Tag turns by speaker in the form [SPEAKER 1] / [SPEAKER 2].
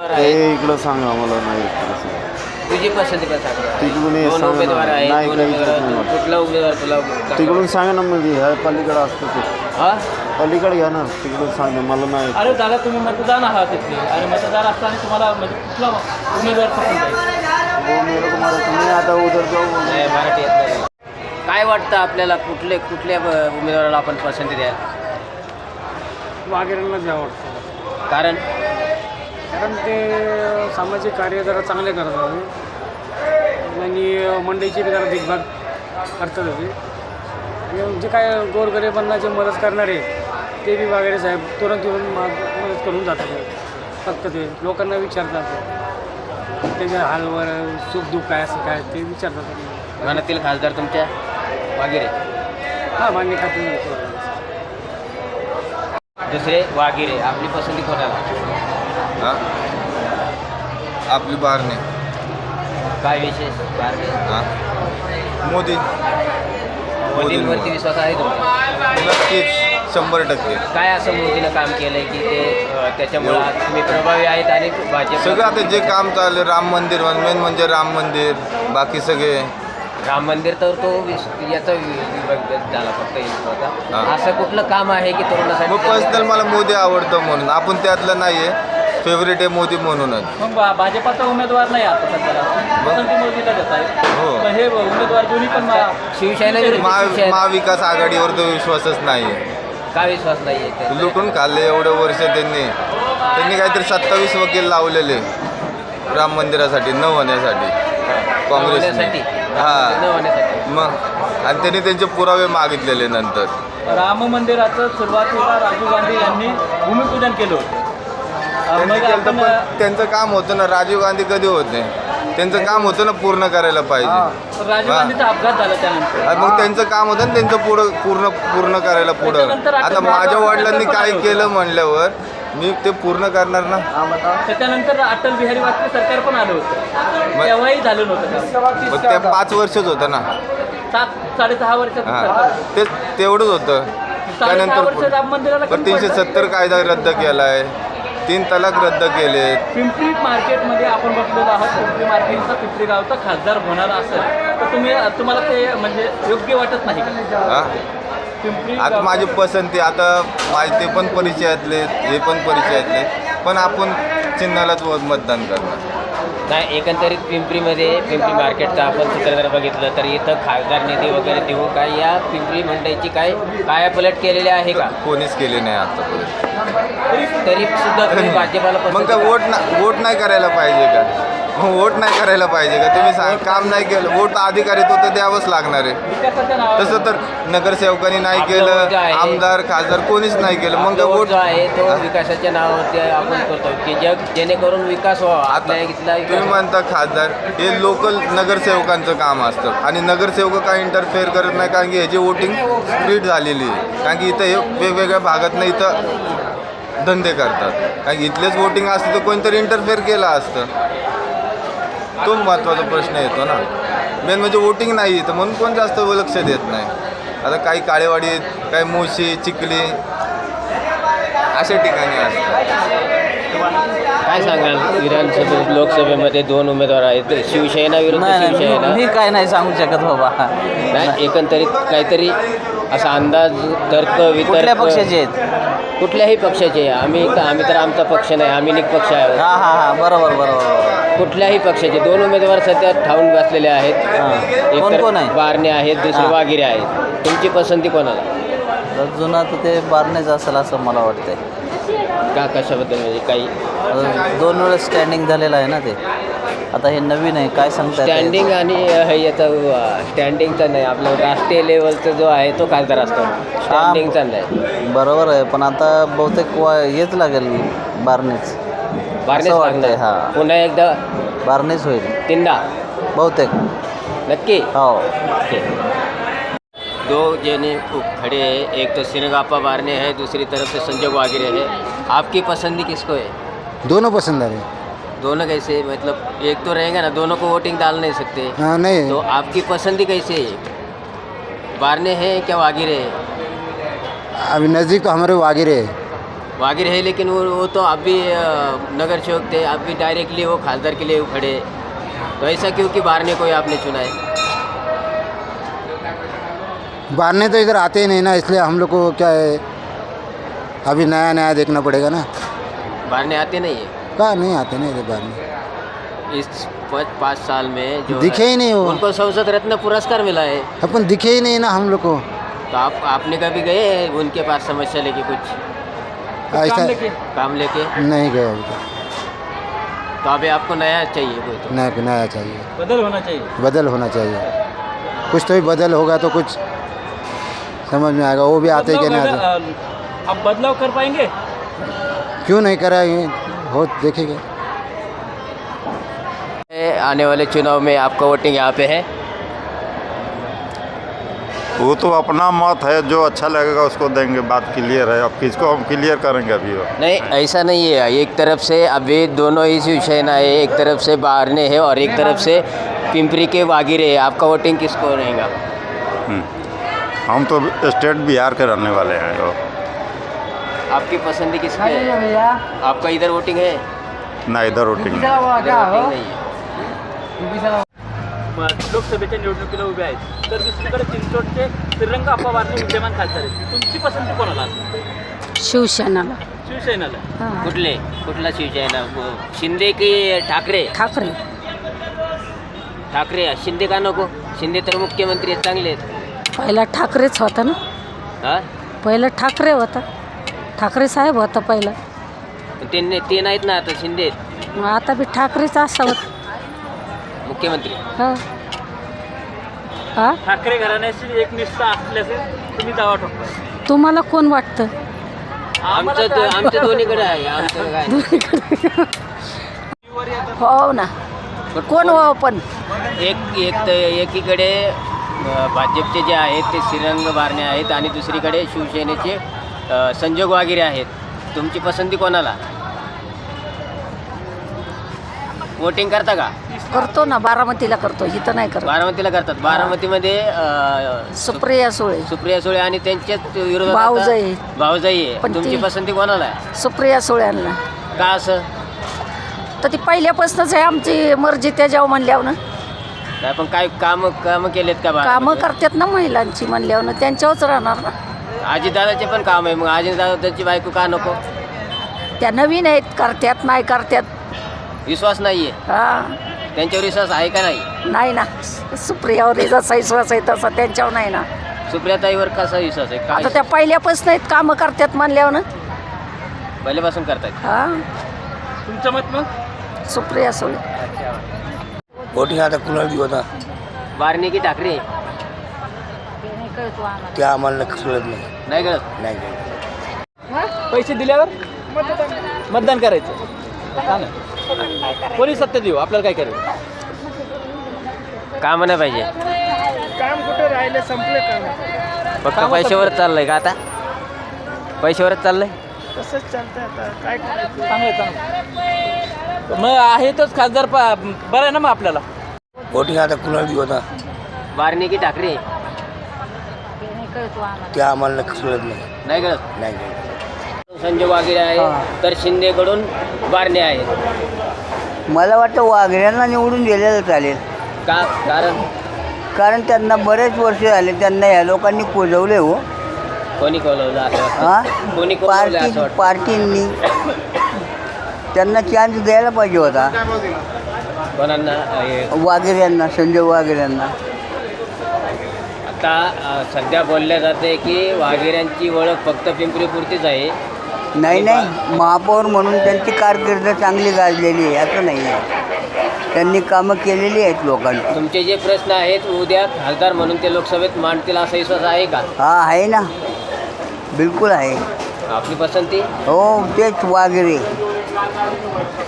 [SPEAKER 1] हे इकडं सांगा मला नाही
[SPEAKER 2] तुझी पसंती का सांग.
[SPEAKER 1] तिकडून हे
[SPEAKER 2] दोन
[SPEAKER 1] सांगा
[SPEAKER 2] उमेदवार
[SPEAKER 1] ना.
[SPEAKER 2] आहेत,
[SPEAKER 1] नाही
[SPEAKER 2] दोन
[SPEAKER 1] काही
[SPEAKER 2] उमेदवार
[SPEAKER 1] नाही वाटत.
[SPEAKER 2] कुठला उमेदवार तुला चांगला
[SPEAKER 1] तिकडून सांगा ना म्हणजे ह्या पलीकडे असतं ते
[SPEAKER 2] हा?
[SPEAKER 1] पलीकडे घ्या ना तिकडून सांगा मला नाही
[SPEAKER 3] अरे दादा तुम्ही मतदान आहात तिथले आणि मतदार असताना तुम्हाला म्हणजे कुठला उमेदवार पसंत आहे?
[SPEAKER 1] वो मेरे को मारा तुम्ही आता उधर जाऊ
[SPEAKER 2] नाही, मराठी येत नाही. काय वाटतं आपल्याला कुठल्या उमेदवाराला आपण पसंती द्याल?
[SPEAKER 3] वाघेरेंना द्यावं वाटतं
[SPEAKER 2] कारण
[SPEAKER 3] कारण ते सामाजिक कार्य जरा चांगले करतात आणि मंडईची बी जरा देखभाल करतात होते जे काय गोरगरिबांना जे मदत करणारे ते बी वाघेरे साहेब तुरंत येऊन मदत करून जातात. फक्त ते लोकांना विचारतात त्याच्या हालवर सुखदुःख काय असं काय ते विचारतात.
[SPEAKER 2] मनातील खासदार तुमच्या वगैरे
[SPEAKER 3] हां मान्य खाते.
[SPEAKER 2] दुसरे वागिरे. आपली पसंती कोणाला?
[SPEAKER 4] हां आपली बारणे.
[SPEAKER 2] काय विशेष बारणे?
[SPEAKER 4] हां मोदी.
[SPEAKER 2] मोदींवरती विश्वास आहे तुमचा?
[SPEAKER 4] नक्कीच 100%.
[SPEAKER 2] काय असं मोदीनं काम केलंय की ते त्याच्यामुळे आज तुम्ही प्रभावी आहेत आणि भाजप
[SPEAKER 4] सगळं आता जे काम चाललं राम मंदिर मेन म्हणजे राम मंदिर बाकी सगळे
[SPEAKER 2] राम मंदिर तर तो याचा विभाग झाला फक्त होता.
[SPEAKER 4] हां.
[SPEAKER 2] असं कुठलं काम आहे की
[SPEAKER 4] मग
[SPEAKER 2] तरुणासाठी
[SPEAKER 4] पर्सनल मला मोदी आवडतं म्हणून आपण त्यातलं नाही आहे फेवरेट आहे मोदी म्हणूनच.
[SPEAKER 3] मग भाजपाचा उमेदवार नाही आता सध्याला पसंती मोदीला देत आहे.
[SPEAKER 4] हो.
[SPEAKER 3] पण हे उमेदवार दोन्ही पण
[SPEAKER 2] शिवसेना विरुद्ध शिवसेना.
[SPEAKER 4] महाविकास आघाडीवर तो विश्वासच नाही आहे.
[SPEAKER 2] का विश्वास नाही आहे?
[SPEAKER 4] लुटून खाल्ले एवढं वर्ष त्यांनी काहीतरी 27 वकील लावलेले राम मंदिरासाठी न होण्यासाठी काँग्रेसने.
[SPEAKER 2] होण्यासाठी?
[SPEAKER 4] हां
[SPEAKER 2] न होण्यासाठी.
[SPEAKER 4] मग आणि त्यांनी त्यांचे पुरावे मागितलेले नंतर.
[SPEAKER 3] राम मंदिराचं सुरुवातीला राजीव गांधी यांनी भूमिपूजन केलं होतं.
[SPEAKER 4] त्यांनी
[SPEAKER 3] मग
[SPEAKER 4] केलं
[SPEAKER 3] आपण
[SPEAKER 4] पण त्यांचं काम होतं ना. राजीव गांधी कधी होते त्यांचं काम होतं ना पूर्ण करायला पाहिजे.
[SPEAKER 3] राजीव
[SPEAKER 4] हां.
[SPEAKER 3] गांधीचा अपघात झाला त्यानंतर.
[SPEAKER 4] आणि मग त्यांचं काम होतं ना त्यांचं पूर्ण करायला पुढं.
[SPEAKER 3] त्याच्यानंतर
[SPEAKER 4] आता माझ्या वडिलांनी काय केलं म्हणल्यावर मी ते पूर्ण करणार ना.
[SPEAKER 3] त्याच्यानंतर अटल बिहारी वाजपेयी सरकार पण आलं होतं. तेव्हाही झालं नव्हतं.
[SPEAKER 4] मग त्या 5 वर्षच होतं ना.
[SPEAKER 3] 7-6.5 वर्षाचं
[SPEAKER 4] हां
[SPEAKER 3] सरकार.
[SPEAKER 4] तेवढंच होतं.
[SPEAKER 3] 6.5 वर्ष
[SPEAKER 4] त्यानंतर
[SPEAKER 3] राम मंदिराला
[SPEAKER 4] पण
[SPEAKER 3] कमी पडलं.
[SPEAKER 4] 370 कायदा रद्द केला आहे. 3 तलाक रद्द केलेत.
[SPEAKER 3] पिंपरी मार्केटमध्ये आपण बसलेलो आहोत. पिंपरी मार्केटचा पिंपरी गावचा खासदार होणार असेल तर तुम्हाला ते म्हणजे योग्य वाटत नाही का?
[SPEAKER 4] हां
[SPEAKER 3] पिंपरी
[SPEAKER 4] आता
[SPEAKER 3] गाव-
[SPEAKER 4] माझी पसंती आता माझे ते पण परिचयातले हे पण परिचयातले पण आपण चिन्हालाच मतदान करणार.
[SPEAKER 2] नाही, एकंदरीत पिंपरी मार्केटचं आपण चित्र जर बघितलं तर इथं खासदार निधी वगैरे देऊ काय या पिंपरी मंडईची काय कायापलट केलेली आहे का?
[SPEAKER 4] कोणीच केले नाही आतापर्यंत.
[SPEAKER 2] तरी सुद्धा तुम्ही भाजपाला
[SPEAKER 4] मग
[SPEAKER 2] पसंती
[SPEAKER 4] काय वोट नाही करायला पाहिजे का? मग वोट नाही करायला पाहिजे का? तुम्ही सांग काम नाही केलं वोट अधिकारी तो तर द्यावंच लागणार आहे.
[SPEAKER 3] विकासाच्या नावावर
[SPEAKER 4] तसं तर नगरसेवकांनी नाही
[SPEAKER 2] आपलं वोट
[SPEAKER 4] केलं
[SPEAKER 2] जे आहे,
[SPEAKER 4] आमदार खासदार कोणीच नाही केलं. मग
[SPEAKER 2] आपला
[SPEAKER 4] काय
[SPEAKER 2] वोट
[SPEAKER 4] वोट
[SPEAKER 2] जो आहे तो विकासाच्या नावावरती आपण करतो की जेणेकरून विकास व्हावा. आपल्या इथला
[SPEAKER 4] तुम्ही
[SPEAKER 2] विकास
[SPEAKER 4] म्हणता खासदार हे लोकल नगरसेवकांचं काम असतं आणि नगरसेवक काय इंटरफेअर करत नाही कारण की ह्याची वोटिंग स्प्लिट झालेली आहे. कारण की इथं हे वेगवेगळ्या भागातनं इथं धंदे करतात. कारण की इथलेच वोटिंग असतं तर कोणतरी इंटरफेअर केलं असतं. तो महत्त्वाचा प्रश्न येतो ना. मेन म्हणजे वोटिंग नाही तर म्हणून कोण जास्त लक्ष देत नाही. आता काही काळेवाडी काही मोशी चिखली अशा ठिकाणी असतात.
[SPEAKER 2] काय सांगाल विधानसभेत लोकसभेमध्ये 2 उमेदवार आहेत शिवसेना विरुद्ध शिवसेना.
[SPEAKER 5] मी काय नाही सांगू शकत बाबा.
[SPEAKER 2] नाही, एकंदरीत काहीतरी असा अंदाज तर्क
[SPEAKER 5] कुठल्या
[SPEAKER 2] वितर्क
[SPEAKER 5] पक्षाचे आहेत?
[SPEAKER 2] कुठल्याही पक्षाचे. आम्ही तर आमचा पक्ष नाही, आम्ही निष्पक्ष आहोत.
[SPEAKER 5] हां हां हां बरोबर.
[SPEAKER 2] कुठल्याही पक्षाचे 2 उमेदवार सध्या ठाऊन बसलेले आहेत.
[SPEAKER 5] हां. कोण
[SPEAKER 2] एक
[SPEAKER 5] कोण आहे?
[SPEAKER 2] बारणे आहेत, दुसरे
[SPEAKER 5] हां.
[SPEAKER 2] वागिरे आहेत. तुमची पसंती कोणाला?
[SPEAKER 5] जुना तर ते बारणेच असेल असं मला वाटतंय.
[SPEAKER 2] का कशाबद्दल म्हणजे काही
[SPEAKER 5] 2 वेळेस स्टँडिंग झालेलं आहे ना ते. आता हे नवीन आहे काय सांगता येत नाही.
[SPEAKER 2] स्टँडिंग आणि याचा स्टँडिंगचा नाही, आपलं राष्ट्रीय लेवलचा जो आहे तो खासदार असतो. स्टँडिंगचा नाही.
[SPEAKER 5] बरोबर आहे पण आता बहुतेक हेच लागेल बारणेच
[SPEAKER 2] बारनेच
[SPEAKER 5] असं वाटतंय.
[SPEAKER 2] लागणार.
[SPEAKER 5] हां
[SPEAKER 2] पुन्हा एकदा
[SPEAKER 5] बारणेच होईल
[SPEAKER 2] तीनदा
[SPEAKER 5] बहुतेक.
[SPEAKER 2] नक्की.
[SPEAKER 5] हो
[SPEAKER 2] ओके. 2 जने खड़े हैं, एक तो सिरगापा बारने हैं, दूसरी तरफ से संजय वागिरे है. आपकी पसंदी किसको है?
[SPEAKER 6] दोनों पसंद आ रहे हैं।
[SPEAKER 2] दोनों कैसे? मतलब एक तो रहेगा ना, दोनों को वोटिंग डाल नहीं सकते.
[SPEAKER 6] हाँ नहीं
[SPEAKER 2] तो आपकी पसंदी कैसे है? बारने हैं क्या वागिरे है?
[SPEAKER 6] अभी नज़दीक तो हमारे वागिरे है।
[SPEAKER 2] वागिर है, लेकिन वो तो आप भी नगर सेवक थे, आप भी डायरेक्टली वो खासदार के लिए खड़े, तो ऐसा क्यों कि बाहर ने कोई आपने चुना है?
[SPEAKER 6] बाहर ने तो इधर आते ही नहीं ना, इसलिए हम लोग को क्या है, अभी नया नया देखना पड़ेगा ना।
[SPEAKER 2] बाहर ने आते नहीं है
[SPEAKER 6] कहाँ नहीं आते ना इधर बाहर में,
[SPEAKER 2] इस 5 साल में जो
[SPEAKER 6] दिखे
[SPEAKER 2] है,
[SPEAKER 6] ही नहीं वो,
[SPEAKER 2] उनको संसद रत्न पुरस्कार मिला है,
[SPEAKER 6] अपन दिखे ही नहीं ना हम लोग को।
[SPEAKER 2] तो आपने कभी गए हैं उनके पास समस्या लेके, कुछ
[SPEAKER 6] ऐसा
[SPEAKER 2] काम लेके?
[SPEAKER 6] नहीं गए अभी तक।
[SPEAKER 2] तो अभी आपको नया चाहिए कोई, तो
[SPEAKER 6] नया चाहिए,
[SPEAKER 3] बदल होना चाहिए।
[SPEAKER 6] बदल होना चाहिए, कुछ तो ही बदल होगा तो कुछ समझ में आएगा। वो भी आते कि नहीं आते,
[SPEAKER 3] आप बदलाव कर पाएंगे?
[SPEAKER 6] क्यों नहीं कराएंगे, हो देखेंगे।
[SPEAKER 2] आने वाले चुनाव में आपका वोटिंग यहाँ पे है?
[SPEAKER 7] वो तो अपना मत है, जो अच्छा लगेगा उसको देंगे, बात क्लियर है। अब किसको हम क्लियर करेंगे अभी वो?
[SPEAKER 2] नहीं, ऐसा नहीं है। एक तरफ से अभी दोनों ही शिवसेना है, एक तरफ से बारने है और एक तरफ से पिंपरी के वागिरे है। आपका वोटिंग किसको रहेगा?
[SPEAKER 7] हम तो स्टेट बिहार के रहने वाले हैं। वो
[SPEAKER 2] आपकी पसंद किसकी है? आपका इधर वोटिंग है?
[SPEAKER 7] ना इधर वोटिंग नहीं।
[SPEAKER 2] इधर वोटिंग नहीं है।
[SPEAKER 3] लोकसभेच्या निवडणुकीला उभे आहेत, तर दुसरीकडे चिंचवडचे श्रीरंग अप्पा बारणे विद्यमान खासदार आहेत. तुमची पसंती कोणाला असेल?
[SPEAKER 8] शिवसेनाला.
[SPEAKER 3] शिवसेनेला.
[SPEAKER 8] हां.
[SPEAKER 2] कुठला शिवसेना? शिंदे की ठाकरे?
[SPEAKER 8] ठाकरे.
[SPEAKER 2] ठाकरे. शिंदे का नको? शिंदे तर मुख्यमंत्री आहेत, चांगले आहेत.
[SPEAKER 8] पहिला ठाकरेच होता ना,
[SPEAKER 2] हा?
[SPEAKER 8] पहिला ठाकरे होता, ठाकरे साहेब होता पहिला.
[SPEAKER 2] ते नाहीत ना आता, शिंदे आहेत
[SPEAKER 8] मग आता बी ठाकरेच असावं.
[SPEAKER 2] मुख्यमंत्री.
[SPEAKER 8] हां हां.
[SPEAKER 3] ठाकरे घराण्याशी एक निष्ठा असल्याचे तुम्ही दावा ठोकता.
[SPEAKER 8] तुम्हाला कोण वाटतं?
[SPEAKER 2] आमचं दोन्हीकडे आहे. आमचं काय,
[SPEAKER 8] हो ना, कोण हो पण
[SPEAKER 2] एकीकडे भाजपचे जे आहेत ते श्रीरंग बारणे आहेत आणि दुसरीकडे शिवसेनेचे संजोग वागिरे आहेत. तुमची पसंती कोणाला? वोटिंग करता का?
[SPEAKER 8] करतो ना, बारामतीला करतो, इथं नाही करत.
[SPEAKER 2] बारामतीला करतात. बारामतीमध्ये
[SPEAKER 8] सुप्रिया सुळे.
[SPEAKER 2] सुप्रिया सुळे आणि त्यांच्याच विरोधात
[SPEAKER 8] भाऊजाई.
[SPEAKER 2] भाऊजाई आहे.
[SPEAKER 8] पण
[SPEAKER 2] तुमची
[SPEAKER 8] ती-
[SPEAKER 2] पसंती कोणाला आहे?
[SPEAKER 8] सुप्रिया सुळ्यांना.
[SPEAKER 2] का असं?
[SPEAKER 8] तर ती पहिल्यापासूनच आहे आमची मर्जी, त्याच्यावर म्हणल्यावर ना.
[SPEAKER 2] नाही, पण काय काम केलेत का?
[SPEAKER 8] कामं
[SPEAKER 2] बारामतीत?
[SPEAKER 8] करतात ना महिलांची म्हणल्यावर ना, त्यांच्यावरच राहणार ना.
[SPEAKER 2] आजीदादाचे पण काम आहे, मग आजीदादाची बायको का नको?
[SPEAKER 8] त्या नवीन आहेत, करतात नाही करतात.
[SPEAKER 2] विश्वास नाहीये
[SPEAKER 8] हां.
[SPEAKER 2] त्यांच्यावर? विश्वास आहे का नाही?
[SPEAKER 8] नाही ना, सुप्रियावर जसा विश्वास आहे तसा त्यांच्यावर नाही ना.
[SPEAKER 2] सुप्रियाताईवर कसा विश्वास आहे?
[SPEAKER 8] आता
[SPEAKER 2] काय
[SPEAKER 8] त्या पहिल्यापासून आहेत, कामं करतात म्हणल्यावर ना.
[SPEAKER 2] पहिल्यापासून करतायत?
[SPEAKER 8] हां.
[SPEAKER 3] तुमचं मत मग?
[SPEAKER 8] सुप्रिया सुळे.
[SPEAKER 9] वोटिंग आता कुणाला देऊ आता
[SPEAKER 2] बारणे की ठाकरे?
[SPEAKER 9] ते आम्हाला कळत नाही.
[SPEAKER 2] नाही कळत.
[SPEAKER 9] नाही कळत.
[SPEAKER 3] पैसे दिल्यावर मतदान करायचं. कोणी सत्य देऊ, आपल्याला काय करायचं?
[SPEAKER 2] काम नाही पाहिजे,
[SPEAKER 3] काम कुठे राहिले, संपले काम.
[SPEAKER 2] फक्त पैशावर चाललंय का आता? पैशावरच चाललंय.
[SPEAKER 3] तसंच चालतंय आता, काय करायचं? चांगलं मग आहेतच खासदार, बरं आहे ना मग आपल्याला.
[SPEAKER 9] वोटिंग आता कुणाला देऊ आता
[SPEAKER 2] बारणे की ठाकरे?
[SPEAKER 9] ते आम्हाला कळत नाही.
[SPEAKER 2] नाही कळत.
[SPEAKER 9] नाही कळत.
[SPEAKER 2] संजय वागिरे आहे, तर शिंदेकडून बारणे आहे.
[SPEAKER 10] मला वाटतं वाघऱ्यांना निवडून दिलेलं चालेल.
[SPEAKER 2] का?
[SPEAKER 10] कारण त्यांना बरेच वर्ष झाले, त्यांना या लोकांनी कोजवले हो.
[SPEAKER 2] कोणी कोलवलं असं
[SPEAKER 10] हां.
[SPEAKER 2] वाटतं? कोणी कोलवलं असं वाटतं?
[SPEAKER 10] पार्टींनी त्यांना चान्स द्यायला पाहिजे होता.
[SPEAKER 2] कोणांना?
[SPEAKER 10] वाघेऱ्यांना, संजय वाघेऱ्यांना.
[SPEAKER 2] आता सध्या बोलल्या जाते की वाघेऱ्यांची ओळख फक्त पिंपरीपुरतीच आहे.
[SPEAKER 10] नाही, महापौर म्हणून त्यांची कारकीर्द चांगली गाजलेली आहे, असं नाही आहे. त्यांनी कामं केलेली आहेत लोकांची.
[SPEAKER 2] तुमचे जे प्रश्न आहेत उद्या खासदार म्हणून ते लोकसभेत मांडतील असा विश्वास आहे का?
[SPEAKER 10] हा, आहे ना, बिलकुल आहे.
[SPEAKER 2] आपली पसंती?
[SPEAKER 10] हो, तेच वाघेरे.